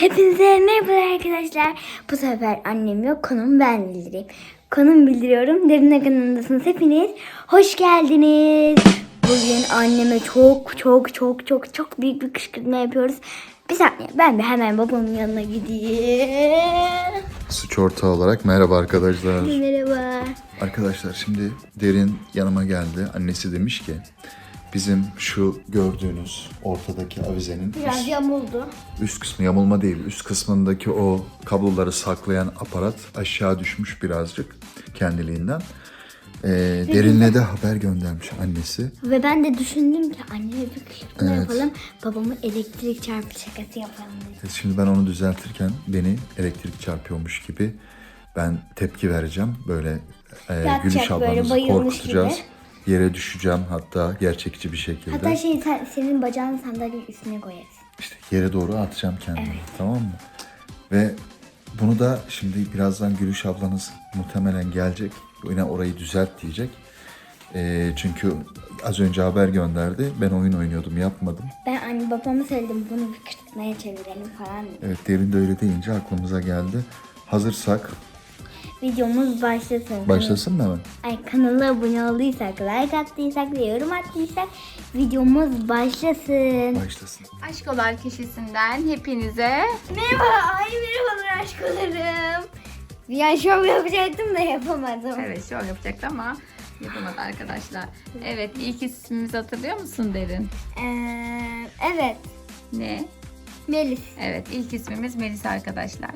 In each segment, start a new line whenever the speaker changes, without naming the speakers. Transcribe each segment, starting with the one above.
Hepinize merhaba arkadaşlar. Bu sefer annem yok, konumu ben bildireyim. Konum bildiriyorum. Derine kanalındasınız hepiniz. Hoş geldiniz. Bugün anneme çok büyük bir kışkırtma yapıyoruz. Bir saniye, ben de hemen babamın yanına gideyim.
Suç ortağı olarak merhaba arkadaşlar.
Merhaba.
Arkadaşlar şimdi Derin yanıma geldi. Annesi demiş ki bizim şu gördüğünüz ortadaki avizenin
Biraz yamuldu.
üst kısmı yamulma değil. Üst kısmındaki o kabloları saklayan aparat aşağı düşmüş birazcık kendiliğinden. Derin'le de haber göndermiş annesi.
Ve ben de düşündüm ki anneme bir kışkırtma
Evet.
yapalım. Babamı elektrik çarpı şakası yapalım dedim.
Şimdi ben onu düzeltirken beni elektrik çarpıyormuş gibi ben tepki vereceğim. Böyle
Yatacak
Gülüş
böyle,
ablamızı
bayılmış
korkutacağız.
gibi.
Yere düşeceğim hatta gerçekçi bir şekilde.
Hatta senin bacağını sandalyenin üstüne koyarız.
İşte yere doğru atacağım kendimi. Tamam mı? Ve bunu da şimdi birazdan Gülüş ablanız muhtemelen gelecek. Yine orayı düzelt diyecek. Çünkü az önce haber gönderdi. Ben oyun oynuyordum, yapmadım.
Ben babama söyledim, bunu bir kışkırtmaya çevirelim falan dedim.
Evet, Derin de öyle deyince aklımıza geldi. Hazırsak
Videomuz başlasın.
başlasın mı hemen?
Kanala abone olduysak, like attıysak ve yorum attıysak videomuz başlasın.
Başlasın.
Aşkolar Köşesi'nden hepinize
Merhabalar aşkolarım. Bir an şov yapacaktım da yapamadım.
evet şov yapacaktı ama yapamadı arkadaşlar. Evet, ilk ismimizi hatırlıyor musun Derin?
Evet.
Ne?
Melis.
Evet, ilk ismimiz Melis arkadaşlar.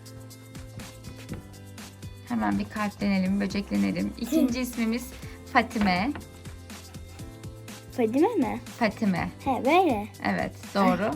Hemen bir kalplenelim, böceklenelim. İkinci ismimiz Fatime.
Fadime mi?
Fatime.
He böyle.
Evet, doğru.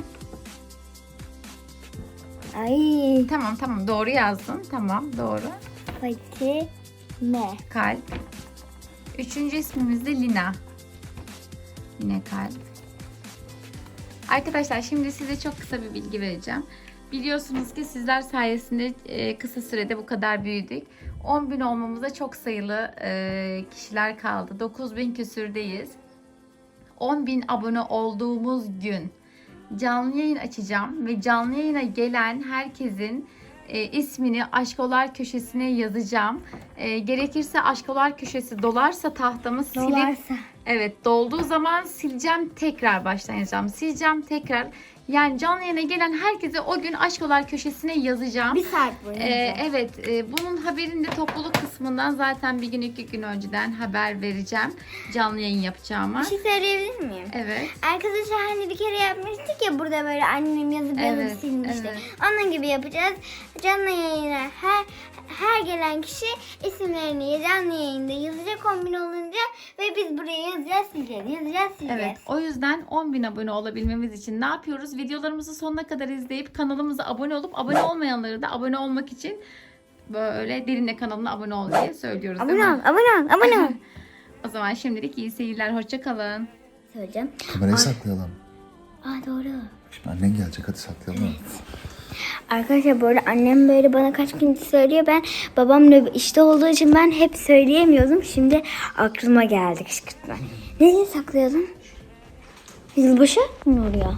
Ay.
Tamam doğru yazdın. Tamam, doğru.
Fatime.
Kalp. Üçüncü ismimiz de Lina. Yine kalp. Arkadaşlar şimdi size çok kısa bir bilgi vereceğim. Biliyorsunuz ki sizler sayesinde kısa sürede bu kadar büyüdük. 10.000 olmamıza çok sayılı kişiler kaldı. 9.000 küsürdeyiz. 10.000 abone olduğumuz gün canlı yayın açacağım ve canlı yayına gelen herkesin ismini Aşkolar Köşesi'ne yazacağım. Gerekirse Aşkolar Köşesi dolarsa tahtamı silip
Dolarsa.
evet, dolduğu zaman sileceğim, tekrar baştan yazacağım. Sileceğim tekrar. Yani canlı yayına gelen herkese o gün Aşkolar Köşesi'ne yazacağım.
Bir saat boyunca.
Evet, bunun haberini de topluluk kısmından zaten bir gün 2 gün önceden haber vereceğim. Canlı yayın yapacağıma.
Bir şey söyleyebilir miyim?
Evet.
Arkadaşlar hani bir kere yapmıştık ya, burada böyle annem yazıp
Evet,
silmişti.
evet.
Onun gibi yapacağız. Canlı yayına her gelen kişi isimlerini canlı yayında yazacak 10.000 olunca ve biz buraya yazacağız, sileceğiz.
Evet, o yüzden 10.000 abone olabilmemiz için ne yapıyoruz? Videolarımızı sonuna kadar izleyip kanalımıza abone olup abone olmayanları da abone olmak için böyle Derin'le kanalına abone ol diye söylüyoruz, değil
Abone ol,
mi?
abone ol.
O zaman şimdilik iyi seyirler, hoşça kalın.
Söyleyeceğim.
Kamerayı saklayalım.
Doğru.
Şimdi annen gelecek, hadi saklayalım.
Arkadaşlar böyle annem böyle bana kaç gündür söylüyor. Babamla işte olduğu için ben hep söyleyemiyordum. Şimdi aklıma geldi kışkırtma. Nereye saklayalım? Yılbaşı mı oluyor?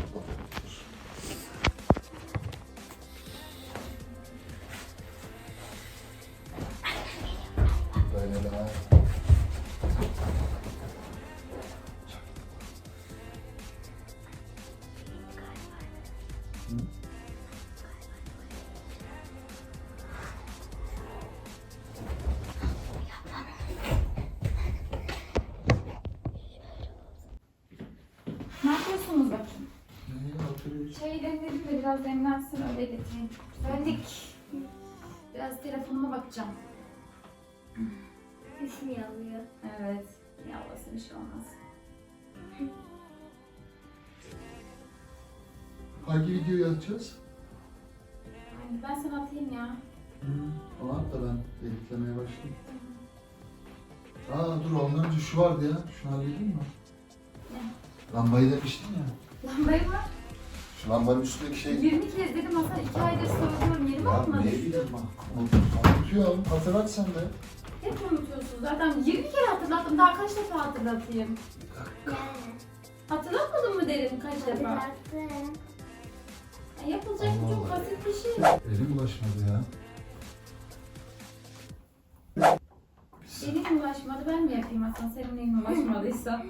Böyle daha...
Ne yapıyorsunuz bakayım? Çayı demledim de biraz demlensin, öyle getireyim. Geldik. Biraz telefonuma bakacağım.
İsmi yazıyor.
Evet. Yavrusu bir şey olmaz.
Hangi videoyu atacağız?
Ben sana atayım ya.
Onu at da ben editlemeye başlayayım. Dur ondan önce şu vardı ya. Şunu halledeyim mi?
Ne?
Lambayı demiştin ya.
Lambayı mı?
Şu lambanın üstündeki şey...
20 kez dedim Hasan, 2 aydır söylüyorum, yerime
Ya
atmadın.
ne bileyim unutuyorum. Hatırlat sen de.
Hep unutuyorsun zaten. 20 kere hatırlattım, daha kaç defa hatırlatayım? Hatırlatmadın mı derim kaç defa? Yapılacak çok basit bir şey.
Elim ulaşmadı ya.
Elin ulaşmadı, ben mi yapayım Hasan? Senin elin ulaşmadıysa.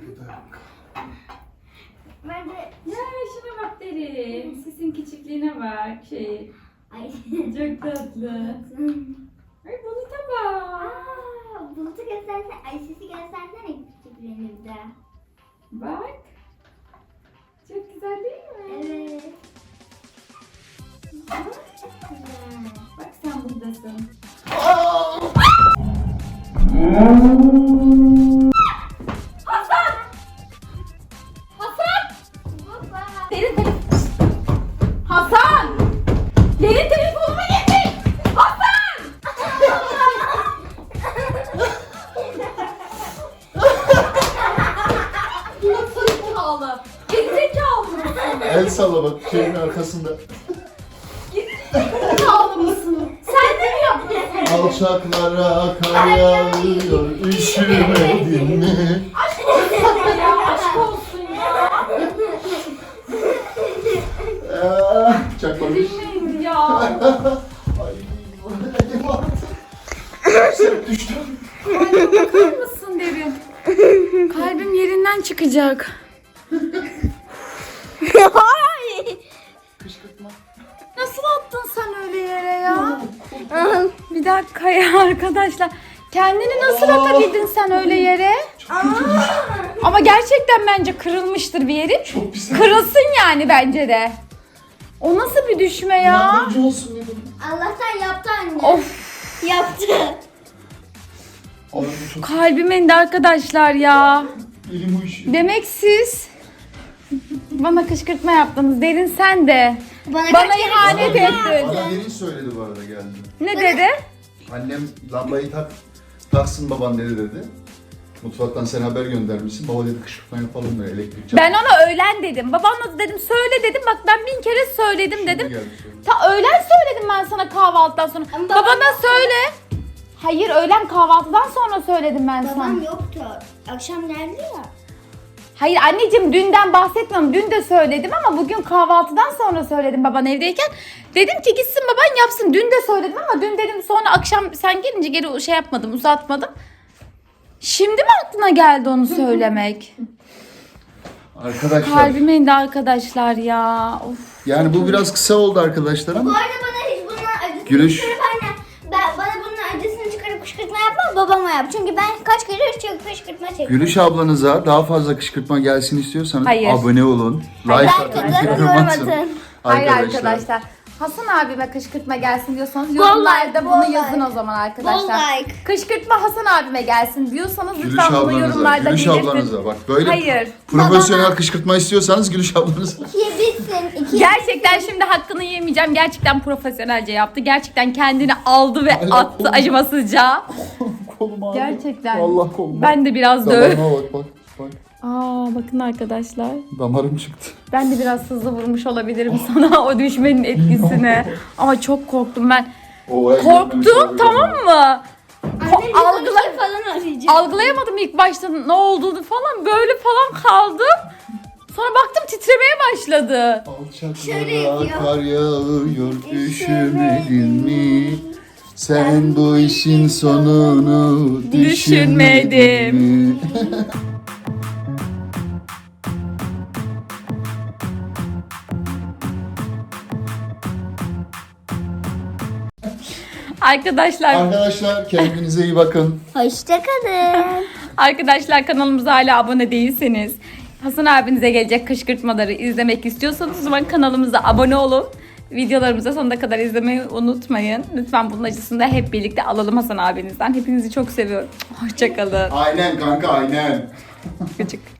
Ben de...
Ya şuna bak derin. Sesin küçüklüğüne bak.
Ay.
Çok tatlı. Ay buluta bak.
Aa, bulutu göstersene. Ay sesi göstersene küçüklerini bir de.
Bak. Çok güzel değil mi?
Evet.
Bak sen buradasın.
Baba.
Derin Hasan! Derin telefonumu getir! Hasan! Gerizekalı! Gerizekalı mısın?
El salla bak şeyin arkasında.
Gerizekalı mısın? Sen de mi yapıyorsun?
Alçaklara kar yağıyor, üşümedin mi?
Aşk olsun ya, aşk olsun ya.
Çakmamış.
Bilmeyin ya.
Ay, elim ağrıdı. Sen düştün.
Bakar mısın Derin? Kalbim yerinden çıkacak.
Kışkırtma.
Nasıl attın sen öyle yere ya? Bir dakika ya arkadaşlar. Kendini nasıl atabildin sen öyle yere? Ama gerçekten bence kırılmıştır bir yerin.
Çok pis.
Kırılsın yani bence de. O nasıl bir düşme ya?
Yardımcı olsun dedim.
Allah'tan yaptı anne.
Of,
Yaptı.
Ay, çok
kalbim indi arkadaşlar ya.
elim uyuşuyor.
Demek siz bana kışkırtma yaptınız. Derin sen de. Bana ihanet ettin.
Bana biri söyledi bu arada geldi.
Ne dedi?
Annem lambayı taksın baban dedi. Mutfaktan sen haber göndermişsin. Baba dedi kışkırtma yapalım da elektrik çarptı.
Ben ona öğlen dedim. Babamla da dedim söyle dedim. Bak ben 1000 kere söyledim
Şimdi
dedim.
geldi söyle.
Ta öğlen söyledim ben sana kahvaltıdan sonra.
Ama
Babana
babam
söyle. Hayır öğlen kahvaltıdan sonra söyledim ben sana.
Babam yoktu. Akşam geldi ya.
Hayır anneciğim dünden bahsetmiyorum. Dün de söyledim ama bugün kahvaltıdan sonra söyledim baban evdeyken. Dedim ki gitsin baban yapsın. Dün de söyledim ama dün dedim sonra akşam sen gelince geri şey yapmadım, uzatmadım. Şimdi mi aklına geldi onu söylemek?
Arkadaşlar
Kalbime indi arkadaşlar ya. Of.
yani bu biraz kısa oldu arkadaşlar
Bu
ama
arada bana hiç bunun acısını
Gülüş.
çıkarıp anne. Bana bunun acısını çıkarıp kışkırtma yapma, babama yap. Çünkü ben kaç kere çok kışkırtma çektim.
Gülüş ablanıza daha fazla kışkırtma gelsin istiyorsanız
Hayır.
abone olun.
Hayır.
Like
Like
atın,
atın,
yorum
yorum
atın.
atın.
Hayır arkadaşlar. Hasan abime kışkırtma gelsin diyorsanız yorumlarda
bol
bunu
like.
yazın o zaman arkadaşlar.
Bol like.
Kışkırtma Hasan abime gelsin diyorsanız
Gülüş
lütfen bunu
ablanıza,
yorumlarda
Gülüş
belirtin.
ablanıza bak böyle
Hayır.
profesyonel kışkırtma istiyorsanız Gülüş ablanıza.
İkiye bitsin. İkiye
Gerçekten şimdi hakkını yemeyeceğim. Gerçekten profesyonelce yaptı. Gerçekten kendini aldı ve
Hala
attı
kolum-
acımasızca.
Kolum ağrıyor.
Gerçekten.
Allah kolum.
Ben de biraz döv.
Damarıma bak.
Aa bakın arkadaşlar.
Damarım çıktı.
Ben de biraz hızlı vurmuş olabilirim sana o düşmenin etkisine. Ama çok korktum ben. Korktum tamam mı? Algıla-
falan arayacağım.
Algılayamadım ilk başta ne olduğunu falan. Böyle falan kaldım. Sonra baktım titremeye başladı.
Şöyle
Alçaklara
yapıyor.
kar yağıyor, üşümedin mi? Sen bu işin sonunu düşünmedin mi?
Arkadaşlar,
Arkadaşlar kendinize iyi bakın.
Hoşçakalın.
arkadaşlar kanalımıza hala abone değilseniz Hasan abinize gelecek kışkırtmaları izlemek istiyorsanız o zaman kanalımıza abone olun. Videolarımıza sonuna kadar izlemeyi unutmayın. Lütfen bunun acısını da hep birlikte alalım Hasan abinizden. Hepinizi çok seviyorum. Hoşçakalın.
Aynen kanka aynen.
Küçük.